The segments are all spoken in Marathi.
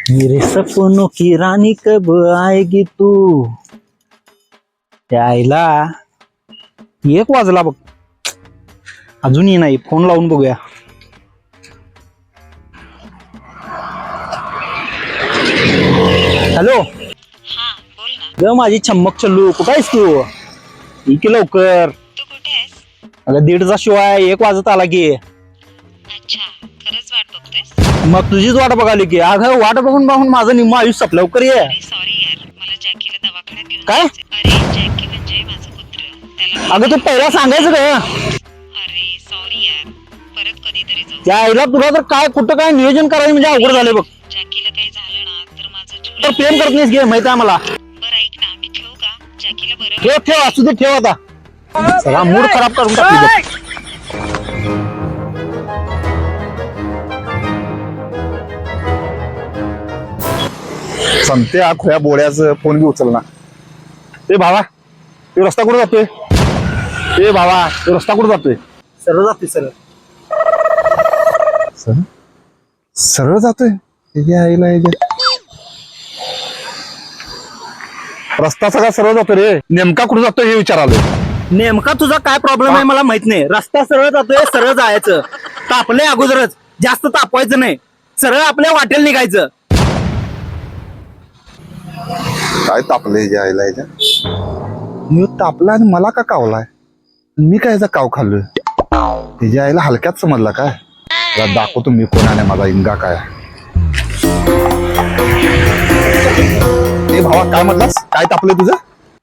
मेरे सपनों की रानी कब आएगी तू. त्याला 1 वाजला बघ, अजूनही नाही. फोन लावून बघूया. हॅलो. हा बोल ना. ग माझी चम्मक चल्लू, कुठं आहेस तू? इथे लवकर. तू कुठे आहेस? अगं 1:30 शिवाय 1 वाजत आला की. अच्छा, खरंच वाट बघतोयस? मग तुझीच वाट बघाली की. अगं वाट बघून बघून माझं निम्म आयुष्य संपलं. लवकर ये. अरे सॉरी यार, मला जॅकीला दवाखान्यात घेऊन काय? जायचंय. अरे जॅकी म्हणजे माझं कुत्र, त्याला अगं तू पहिला सांगायचं ग. अरे सॉरी यार, परत कधीतरी जाऊ. त्या आईला तुला तर काय कुठं काय नियोजन करायचं म्हणजे अवघड झालंय बघ. जॅकीला काही झालं ना तर माझं जीव तर प्रेम करत नाहीस घे, माहिती आहे मला. बरं ऐक ना, मी ठेवू का? जॅकीला बरं ठेव ठेव, असू दे, ठेव आता. सगळा मूड खराब करून टाकली बघ. संते हा खोया बोड्याचं फोन बी उचलना. ए भावा, तो रस्ता कुठे जातोय? ए भावा, तो रस्ता कुठे जातोय? सरळ जाते सरळ. सरळ जातोय. रस्ता सगळा सरळ जातोय रे, नेमका कुठे जातोय हे विचारालोय. नेमका तुझा काय प्रॉब्लेम आहे मला माहित नाही. रस्ता सरळ जातोय, सरळ जायचं. तापलंय अगोदरच, जास्त तापवायचं नाही. सरळ आपल्या वाटेल निघायचं. काय तापलंय जे आईला याच्या? मी तापला आणि मला का कावलाय? मी काय याचा काव खाल्लोय? त्याच्या आईला हलक्यात समजला काय? त्याला दाखवतो मी कोण आहे माझा इंगा काय. ए भावा, काय म्हटलास? काय तापलंय तुझं?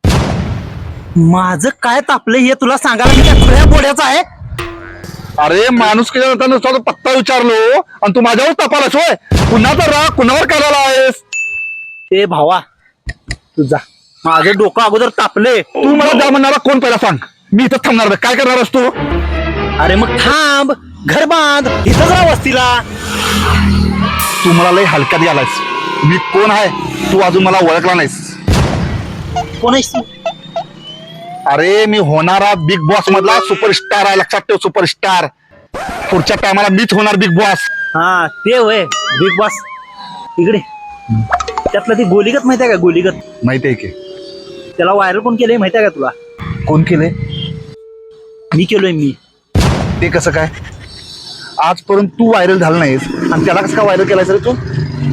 माझं काय तापलंय हे तुला सांगायला मी काय खुल्या बोड्याचा आहे? अरे माणूस केला नुसता पत्ता विचारलो आणि तू माझ्यावर तापालास होय? कुणाचा राग कुणावर करायला आहेस? ए भावा, तुझा माझं डोकं अगोदर तापले. तू मला जा म्हणणारा कोण पहिला सांग. मी इथं थांबणार नाही. काय करणार तू? अरे मग थांब, घर बांध, इथंच राहा वस्तीला. तू मला लय हलक्यात गेलायस. मी कोण आहे तू अजून मला ओळखला नाहीस. कोण आहेस तू? अरे मी होणारा बिग बॉस मधला सुपरस्टार आहे, लक्षात ठेव. सुपरस्टार. पुढच्या टायमाला मीच होणार बिग बॉस. हा ते होय बिग बॉस. इकडे त्यातलं ती गोलीगत माहिती आहे का? गोलीगत माहिती आहे की. त्याला व्हायरल कोण केलंय माहिती आहे का तुला? कोण केले? मी केलोय मी. ते कसं काय? आजपर्यंत तू व्हायरल झाला नाहीस आणि त्याला कसं काय व्हायरल केलायस रे तू?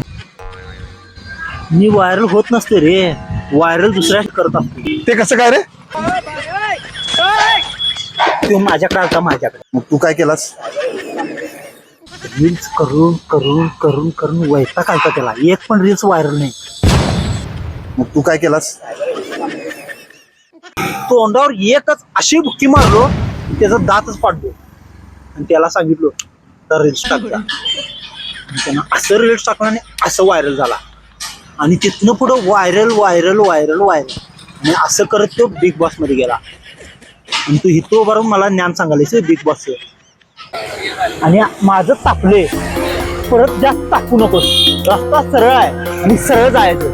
मी व्हायरल होत नसते रे, व्हायरल दुसऱ्या करत असतो. ते कसं काय रे? तो माझ्याकडे आलता, माझ्याकडे. मग तू काय केलास? रील्स करून करून करून करून वैताग आलता त्याला. एक पण रील्स व्हायरल नाही. मग तू काय केलास? तोंडावर एकच अशी बुक्की मारलो, त्याचा दातच पाडलो आणि त्याला सांगितलो तर रील्स टाकला. त्यानं असं रील्स टाकला आणि असं व्हायरल झाला. आणि तिथनं पुढं व्हायरल व्हायरल व्हायरल व्हायरल आणि असं करत तो बिग बॉस मध्ये गेला. आणि तू इथं बरोबर मला ज्ञान सांगायलास बिग बॉसचं. आणि माझं तापले, परत जास्त टाकू नकोस. रस्ता सरळ आहे आणि सरळ जायचं.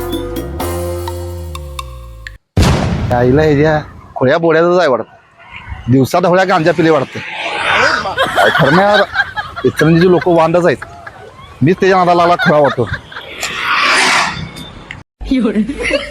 आईला ह्याच्या खोळ्या बोड्याच आहे वाटतं. दिवसात होळ्या गांजा पिले वाटतं. काय खरं नाही यार, इतरांची लोक वांडच आहेत. मीच त्याच्या नादाला खोळा वाटतो.